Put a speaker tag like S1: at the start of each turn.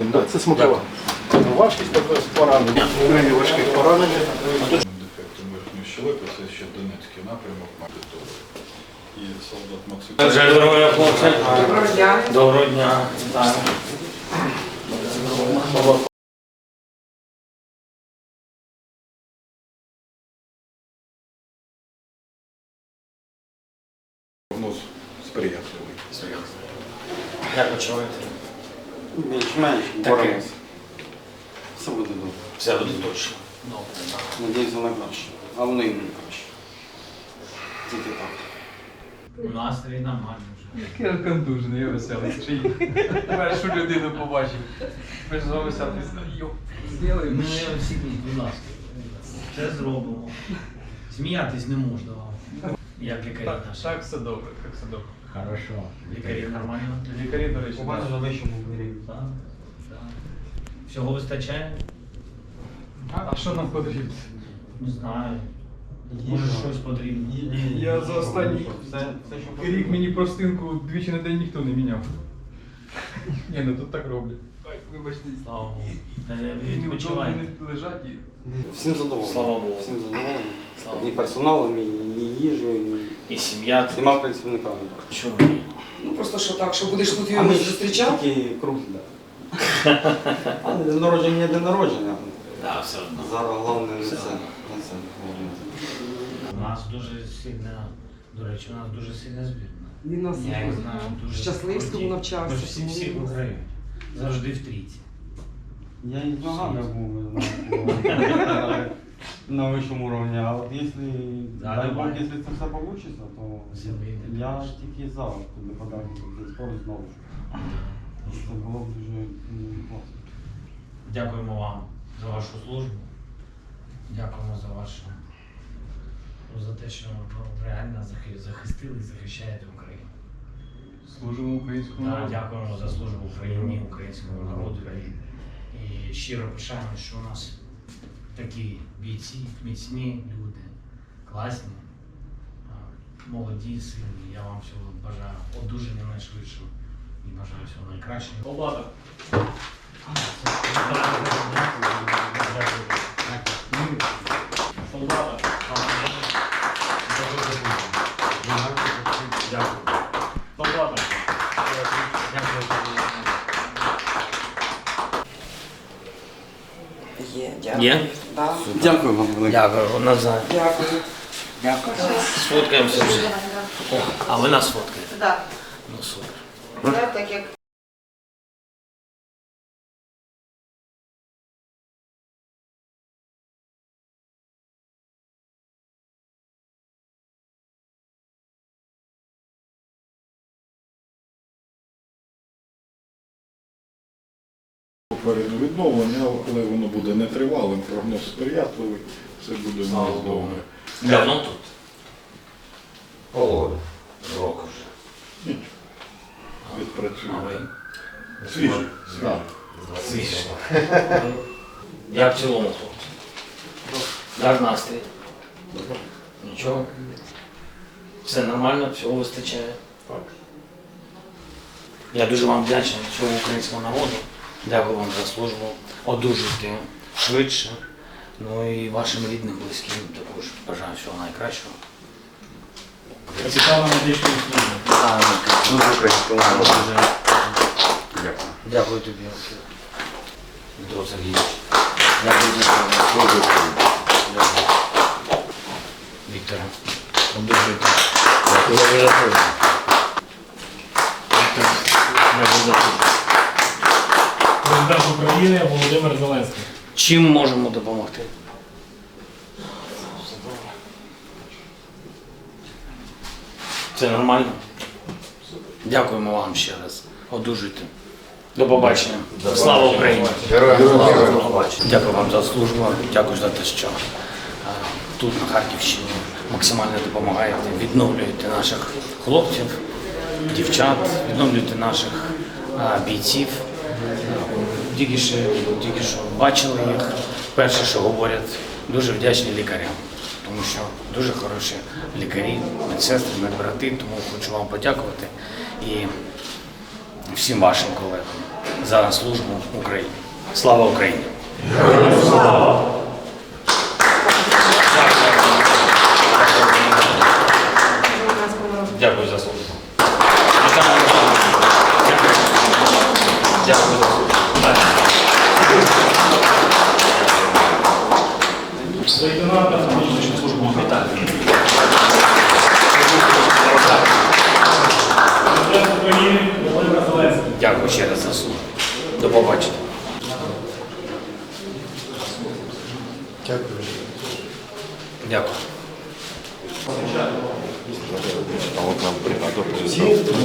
S1: Це смакова. Важкість також поранення. Крайні важких поранення.
S2: Дефектом верхньої щелепи, це ще Донецький напрямок Магдитовий. І солдат Максим.
S3: Здоров'я, хлопці.
S4: Доброго дня.
S3: Доброго дня. Так.
S2: Прогноз сприятливий.
S3: Як почуваєте?
S5: Більш-менш боремося. Все буде добре.
S3: Все буде точно. Добре.
S5: Надіюся на краще. А воно і не краще. Тільки так.
S3: Настрій нормальний вже.
S6: Я контужений, я веселий. Першу людину побачив. Ми ж з вами селфі зробимо.
S3: Ми всі, будь ласка, це зробимо. Сміятись не можна вам. Як лікарі
S6: Так,
S3: наші.
S6: так, все добре, так все добре.
S3: Хорошо. Лікарі нормально?
S6: Лікарі, до речі,
S5: У мене
S6: так.
S5: на вищому рівні.
S3: Так. Так. Всього вистачає?
S6: А що нам потрібно?
S3: Не знаю. Може щось потрібно.
S6: Я за останній
S5: Все, що
S6: рік мені простинку двічі на день ніхто не міняв. Ні, ну тут так роблять. Ой, вибачте.
S3: Слава Богу.
S6: І
S3: Відпочивайте.
S6: не лежать і...
S5: Всім задоволений.
S3: Слава Богу.
S5: Всім задоволений.
S3: Слава
S5: І
S3: Богу.
S5: персоналом, і їжею,
S3: І сім'я.
S5: і всіма працівниками.
S3: Чому?
S4: Ну просто що так, що будеш тут
S5: А
S4: його
S5: ми
S4: зустрічав?
S5: тільки круг, так. А день народження є день народження.
S3: Так, все одно.
S5: Зараз головне не це.
S3: У нас дуже сильна, до речі, у нас дуже сильна збірна.
S4: Він нас
S3: Я їх знаю дуже.
S4: в Щасливському
S3: круті.
S4: навчався.
S3: Ми ж всі виграють. Завжди в трійці.
S5: Я і з ногами був, ви знаєте, на вищому рівні. А от якщо,
S3: Да,
S5: дай Бог,
S3: давай.
S5: якщо це все вийде, то
S3: Все вийде,
S5: я
S3: конечно.
S5: тільки за туди подав цей спорт знову ж. Це було б дуже класно.
S3: Дякуємо вам за вашу службу. Дякуємо за вашу, за те, що ви реально захистили і захищаєте Україну.
S6: Служимо українському
S3: Так,
S6: народу.
S3: дякуємо за службу Україні, українському народу. І щиро пишаємо, що у нас такі бійці, міцні люди, класні, молоді, сильні. Я вам всього бажаю одужання найшвидшого і бажаю всього найкращого. Облада. Солдата. Дякую. Солдата.
S4: Є, дякую.
S3: Є?
S4: Да.
S5: Дякую вам велике.
S3: Дякую, Назар.
S4: Дякую.
S3: Дякую. Сфоткаємося вже. О, а ви нас фоткаєте?
S7: Так,
S3: Ну супер.
S7: це так як
S2: Попереду відновлення, але воно буде нетривалим, прогноз сприятливий, все буде у нас добре.
S3: Давно тут?
S8: Полгода.
S3: Року вже.
S2: Відпрацює.
S3: А ви?
S2: Свіжий.
S3: Свіже. Як в цілому, хлопці? Як настрій? Нічого? Все нормально, всього вистачає?
S2: Так.
S3: Я дуже вам вдячний цьому українському народу. Дякую вам за службу. Одужуйте швидше. Ну і вашим рідним, близьким також бажаю всього найкращого. Цікаво медичну службу.
S8: Дуже українському народу. Дякую.
S3: Дякую тобі, Дмитро Сергійович. Дякую за службу. Дякую. Вікторе, одужуйте. Дякую за службу. Віктор, дякую за службу.
S9: Президент України Володимир Зеленський.
S3: Чим можемо допомогти? Це нормально? Дякуємо вам ще раз. Одужуйте. До побачення. Слава Україні! До побачення. Дякую вам за службу. Дякую за те, що тут, на Харківщині, максимально допомагаєте, відновлюєте наших хлопців, дівчат, відновлюєте наших бійців. Тільки що бачили їх. Перше, що говорять, дуже вдячні лікарям, тому що дуже хороші лікарі, медсестри, медбрати, тому хочу вам подякувати і всім вашим колегам. за службу Україні. Слава Україні! Дякую за службу. Дякую за службу.
S9: Лейтенанта внутрішню службу вітаю. Президент України Володимир Зеленський.
S3: Дякую ще раз за службу. До побачення. Дякую.